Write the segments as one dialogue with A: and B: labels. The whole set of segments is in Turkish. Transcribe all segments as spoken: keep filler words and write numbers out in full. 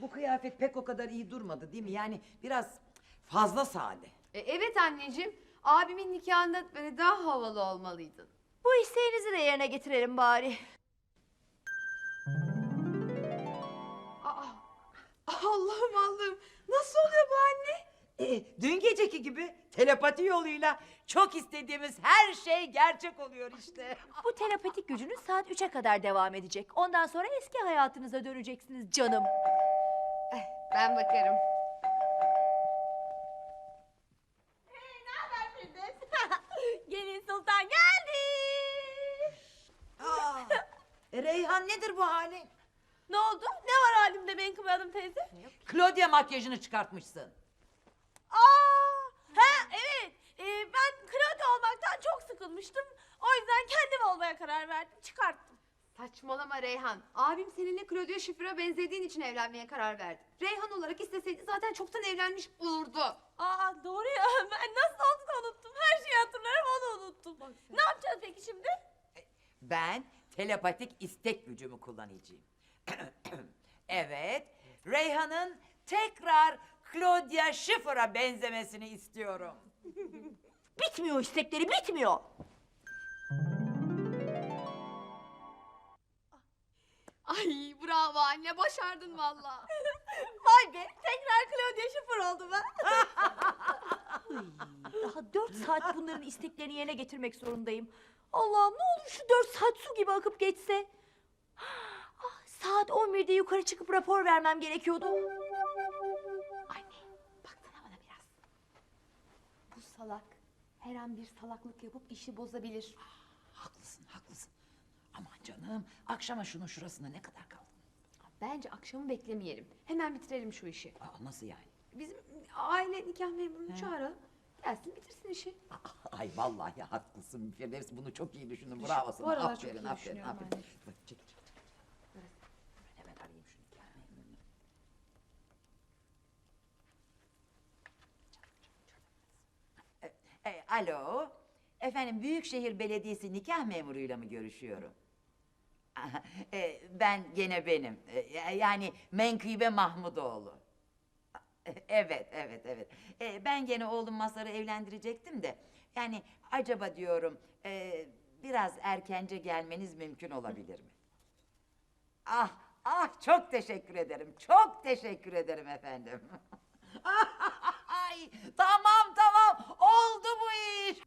A: bu kıyafet pek o kadar iyi durmadı değil mi? Yani biraz fazla sade.
B: E, evet anneciğim. Abimin nikahında böyle daha havalı olmalıydın.
C: Bu isteğinizi de yerine getirelim bari.
B: Aa, Allah'ım Allah'ım. Nasıl oluyor bu anne?
A: Ee, dün geceki gibi telepati yoluyla çok istediğimiz her şey gerçek oluyor işte.
C: Bu telepatik gücünüz saat üçe kadar devam edecek. Ondan sonra eski hayatınıza döneceksiniz canım.
B: Eh, ben bakarım.
C: Gelin Sultan geldi.
A: Aa, e, Reyhan nedir bu halin?
C: Ne oldu? Ne var halimde Menkıbe Hanım teyze?
A: Claudia makyajını çıkartmışsın.
C: Aa, ha evet. Ee, ben Claudia olmaktan çok sıkılmıştım. O yüzden kendim olmaya karar verdim. Çıkarttım.
B: Saçmalama Reyhan. Abim seninle Claudia Schiffer'a benzediğin için evlenmeye karar verdi. Reyhan olarak isteseydi zaten çoktan evlenmiş olurdu.
C: Aa doğru ya. Ben nasıl olduğunu unuttum. Her şeyi hatırlarım, onu unuttum. Ne yapacağız peki şimdi?
A: Ben telepatik istek gücümü kullanacağım. Evet, Reyhan'ın tekrar Claudia Schiffer'a benzemesini istiyorum.
C: Bitmiyor istekleri, bitmiyor.
B: Ay bravo anne, başardın valla.
C: Vay be, tekrar Claudia Schiffer oldum ha. Daha dört saat bunların isteklerini yerine getirmek zorundayım. Allah'ım ne olur şu dört saat su gibi akıp geçse. Ah, saat on birde yukarı çıkıp rapor vermem gerekiyordu.
B: Anne baksana bana biraz. Bu salak her an bir salaklık yapıp işi bozabilir.
A: Haklısın, haklısın. Aman canım, akşama şunun şurasında ne kadar kaldı?
B: Bence akşamı beklemeyelim. Hemen bitirelim şu işi.
A: Aa, nasıl yani?
B: Bizim aile nikah memurunu çağıralım. Gelsin bitirsin işi.
A: Ay vallahi haklısın Firdevs, bunu çok iyi düşündün. Bravo
B: Bu
A: sana.
B: aralar
A: Aferin,
B: çok iyi
A: aferin,
B: düşünüyorum
A: aferin.
B: anne.
A: Bak, çekil, çekil, çekil. Ben hemen arayayım şu nikah memurunu. E, e, alo. Efendim, Büyükşehir Belediyesi nikah memuruyla mı görüşüyorum? Aha, e, ben gene benim. E, yani Menkıbe Mahmudoğlu. Evet, evet, evet. Ee, ben gene oğlum Mazhar'ı evlendirecektim de... ...yani acaba diyorum... E, ...biraz erkence gelmeniz mümkün olabilir mi? Ah, ah çok teşekkür ederim. Çok teşekkür ederim efendim. Ay, tamam tamam, oldu bu iş.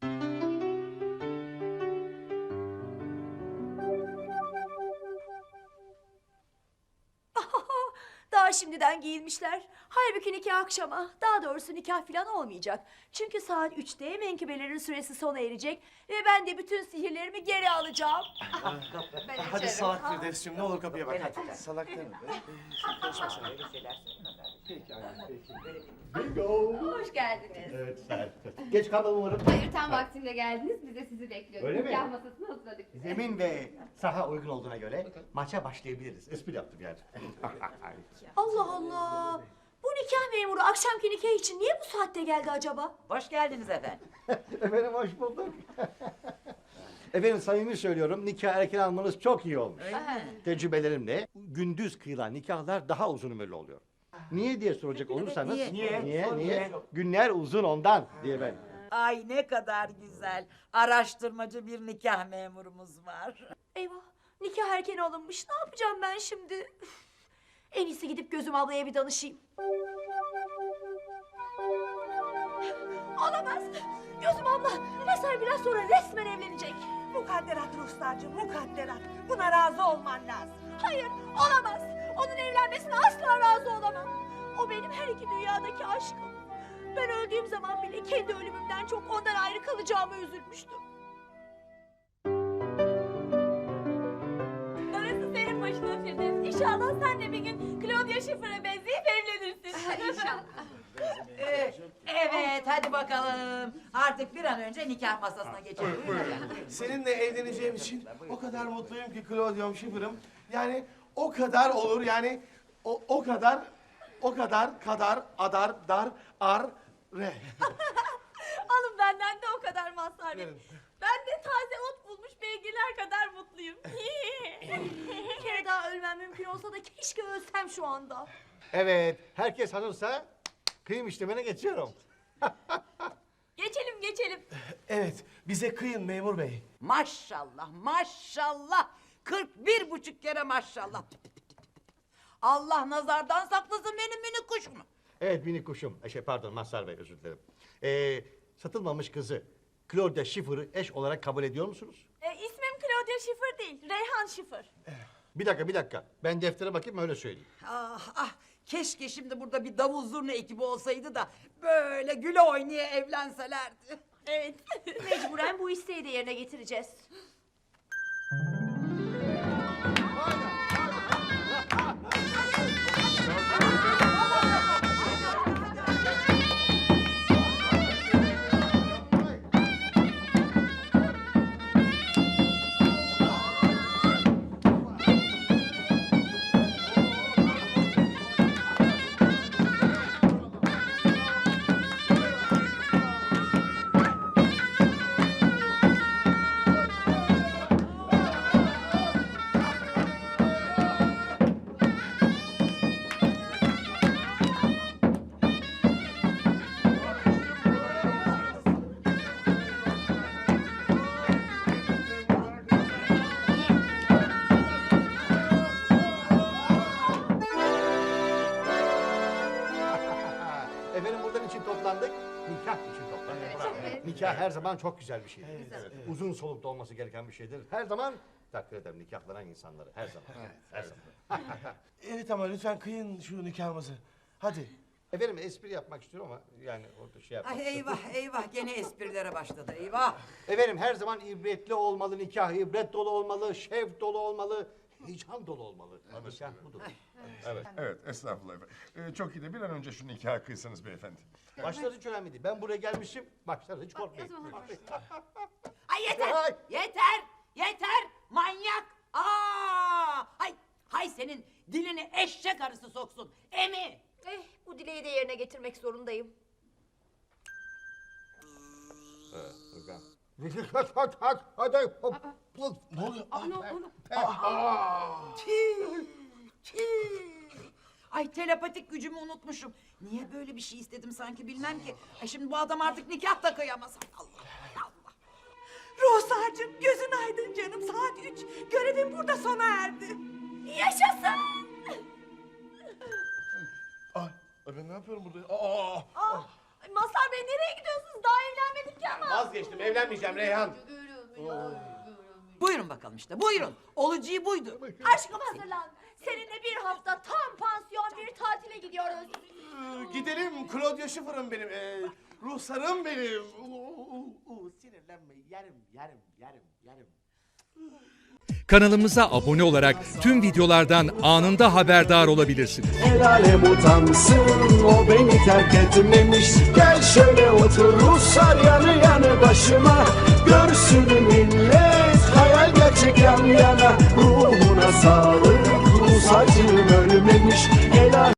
C: Daha şimdiden giyinmişler. Halbuki nikah akşama, daha doğrusu nikah falan olmayacak. Çünkü saat üçte menkıbelerin süresi sona erecek ve ben de bütün sihirlerimi geri alacağım.
B: Ben
D: Hadi
B: içerim.
D: salak Firdevs'cim ne olur kapıya bak
A: Evet,
D: hadi.
A: evet.
D: Salak deme be. Ee, Konuşma sen.
A: Öyle şeyler söyleme kardeşim.
D: Peki anne peki.
E: Bingo.
B: Hoş geldiniz.
E: Evet, sen. Geç kalmam umarım.
B: Hayır tam vaktinde geldiniz. Biz de sizi bekliyoruz.
E: Öyle mi?
B: Nikah masasını hazırladık size.
E: Zemin ve saha uygun olduğuna göre maça başlayabiliriz. Espri yaptım yani.
C: Allah Allah! Bu nikah memuru akşamki nikah için niye bu saatte geldi acaba?
A: Hoş geldiniz efendim.
E: Efendim hoş bulduk. Efendim samimi söylüyorum, nikah erken almanız çok iyi olmuş.
A: Öyle mi?
E: Tecrübelerimle gündüz kıyılan nikahlar daha uzun ömürlü oluyor. Niye diye soracak olursanız,
A: niye?
E: niye,
D: Niye?
E: niye,
D: Niye?
E: Günler uzun ondan diye ben.
A: Ay ne kadar güzel. Araştırmacı bir nikah memurumuz var.
C: Eyvah! Nikah erken alınmış. Ne yapacağım ben şimdi? Üf! En iyisi gidip Gözüm ablaya bir danışayım. Olamaz! Gözüm abla! Mazhar biraz sonra resmen evlenecek.
F: Mukadderat Ruslarcığım, mukadderat. Buna razı olman lazım.
C: Hayır, olamaz. Onun evlenmesine asla razı olamam. O benim her iki dünyadaki aşkım. Ben öldüğüm zaman bile kendi ölümümden çok ondan ayrı kalacağıma üzülmüştüm. Darısı senin başına Firdevs. İnşallah sen de bir gün Claudia Schiffer'a benzeyip evlenirsin.
B: İnşallah.
A: Ee, evet, hadi bakalım. Artık bir an önce nikah masasına geçelim. Buyurun efendim.
D: Seninle evleneceğim için o kadar mutluyum ki Claudia'm Schiffer'ım. Yani o kadar olur yani o, o kadar o kadar kadar adar dar ar re.
C: Alın benden de o kadar Mazhar Bey.
D: Verin.
C: Ben de taze ot bulmuş beygirler kadar mutluyum. Bir kere daha ölmem mümkün olsa da keşke ölsem şu anda.
E: Evet, herkes hazırsa kıyım işlemine geçiyorum.
C: Geçelim geçelim.
D: Evet, bize kıyın memur bey.
A: Maşallah, maşallah. kırk bir buçuk kere maşallah. Allah nazardan saklasın benim minik kuşumu.
E: Evet minik kuşum, e, şey pardon Mazhar Bey özür dilerim. Ee, satılmamış kızı Claudia Schiffer'ı eş olarak kabul ediyor musunuz?
C: E, ismim Claudia Schiffer değil, Reyhan Schiffer.
E: Bir dakika bir dakika, ben deftere bakayım öyle söyleyeyim.
A: Ah ah, keşke şimdi burada bir davul zurna ekibi olsaydı da böyle güle oynaya evlenselerdi.
C: Evet, mecburen bu isteği de yerine getireceğiz.
E: Efendim buradan için toplandık, nikah için toplandık. Nikah her zaman çok güzel bir şeydir. Evet, uzun solukta olması gereken bir şeydir. Her zaman takdir ederim nikahlanan insanları, her zaman. Her zaman.
D: Evet ama lütfen kıyın şu nikahımızı. Hadi.
E: Efendim espri yapmak istiyorum ama yani orada şey yapmak
A: Ay
E: istiyorum.
A: eyvah eyvah gene esprilere başladı eyvah.
E: Efendim her zaman ibretli olmalı nikah, ibret dolu olmalı, şevk dolu olmalı, heyecan dolu olmalı. Nikah budur.
G: Evet, evet, estağfurullah efendim. Ee, çok iyi de bir an önce şu nikahı kıysanız beyefendi.
E: Başları hiç önemli değil. Ben buraya gelmişim, başları hiç korkmayın.
A: Ay yeter
E: Ay.
A: yeter yeter manyak. Aa, hay hay senin dilini eşek arısı soksun emi.
C: Eh, bu dileği de yerine getirmek zorundayım.
D: Ne oluyor?
A: Tüh, tüh. Ay telepatik gücümü unutmuşum. Niye böyle bir şey istedim sanki bilmem ki. Ay şimdi bu adam artık nikah da kıyamaz. Ay Allah Allah.
F: Ruhsarcığım gözün aydın canım, saat üç. Görevim burada sona erdi.
C: Yaşasın!
D: Ay, ay ben ne yapıyorum burada? Aa,
C: Ah, Mazhar Bey nereye gidiyorsunuz? Daha evlenmedik ki ama.
D: vazgeçtim, evlenmeyeceğim Reyhan.
A: Buyurun bakalım işte buyurun. Olacağı buydu.
C: Aşkım hazırlan. Seninle bir hafta tam pansiyon bir tatile gidiyoruz.
D: Ee, gidelim, Claudia Schiffer'ım benim. Ee, ruhsarım benim. Uu, uu, uu, sinirlenme, yerim, yerim, yerim, yerim.
H: Kanalımıza abone olarak tüm videolardan anında haberdar olabilirsiniz.
I: El alem utansın, o beni terk etmemiş. Gel şöyle otur Ruslar yanı yanı başıma. Görsün millet hayal gerçek yan yana. Ruhuna sağlık.